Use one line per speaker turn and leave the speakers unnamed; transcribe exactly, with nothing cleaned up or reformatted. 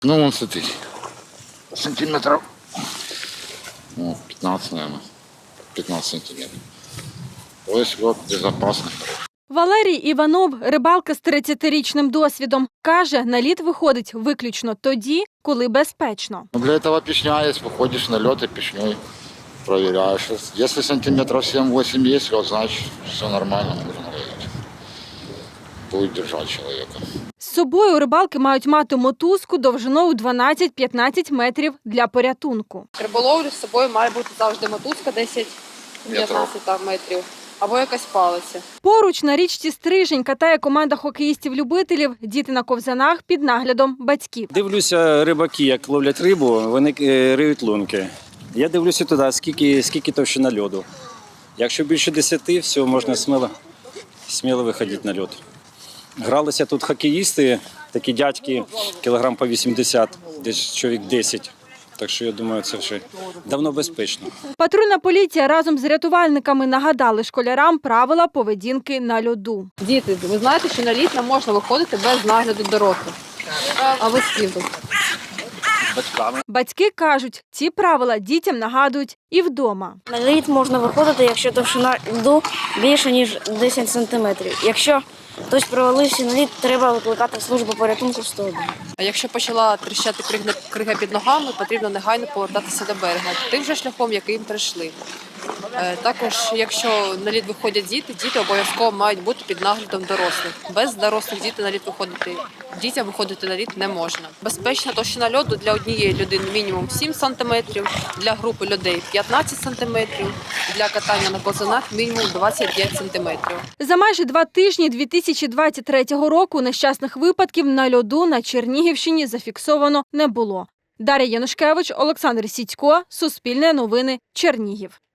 Ну, вон, смотри, сантиметров, ну, пятнадцать, наверное, пятнадцать сантиметров. То есть вот безопасно.
Валерій Іванов – рибалка з тридцятирічним досвідом. Каже, на лід виходить виключно тоді, коли безпечно.
Ну, для этого пешня есть, выходишь на лед и пешней проверяешь. Если сантиметров семь-восемь есть лед, значит все нормально, можно ловить. Будет держать человека.
З собою рибалки мають мати мотузку довжиною дванадцять-п'ятнадцять метрів для порятунку.
Риболовлю з собою має бути завжди мотузка десять-п'ятнадцять метрів або якась палиця.
Поруч на річці Стрижень катає команда хокеїстів-любителів, діти на ковзанах під наглядом батьків.
Дивлюся, рибаки, як ловлять рибу, вони е, риють лунки. Я дивлюся туди, скільки, скільки товщина льоду. Якщо більше десяти, все, можна сміло, сміло виходити на льод. Гралися тут хокеїсти, такі дядьки, кілограм по вісімдесят, десь чоловік десять. Так що, я думаю, це вже давно безпечно.
Патрульна поліція разом з рятувальниками нагадали школярам правила поведінки на льоду.
Діти, ви знаєте, що на лід не можна виходити без нагляду дорослих. А ви з ким тут?
Батьки кажуть, ці правила дітям нагадують і вдома.
На лід можна виходити, якщо товщина льоду більше, ніж десять сантиметрів. Якщо хтось провалився на лід, треба викликати службу порятунку сто один.
А якщо почала тріщати крига, крига під ногами, потрібно негайно повертатися до берега, тим же шляхом, яким прийшли. Е, Також, якщо на лід виходять діти, діти обов'язково мають бути під наглядом дорослих. Без дорослих дітей на лід виходити, дітям виходити на лід не можна. Безпечна товщина льоду для однієї людини мінімум сім сантиметрів, для групи людей п'ятнадцять сантиметрів, для катання на ковзанах мінімум двадцять п'ять сантиметрів.
За майже два тижні дві тисячі двадцять третього року нещасних випадків на льоду на Чернігівщині зафіксовано не було. Дар'я Янушкевич, Олександр Сідько, Суспільне новини, Чернігів.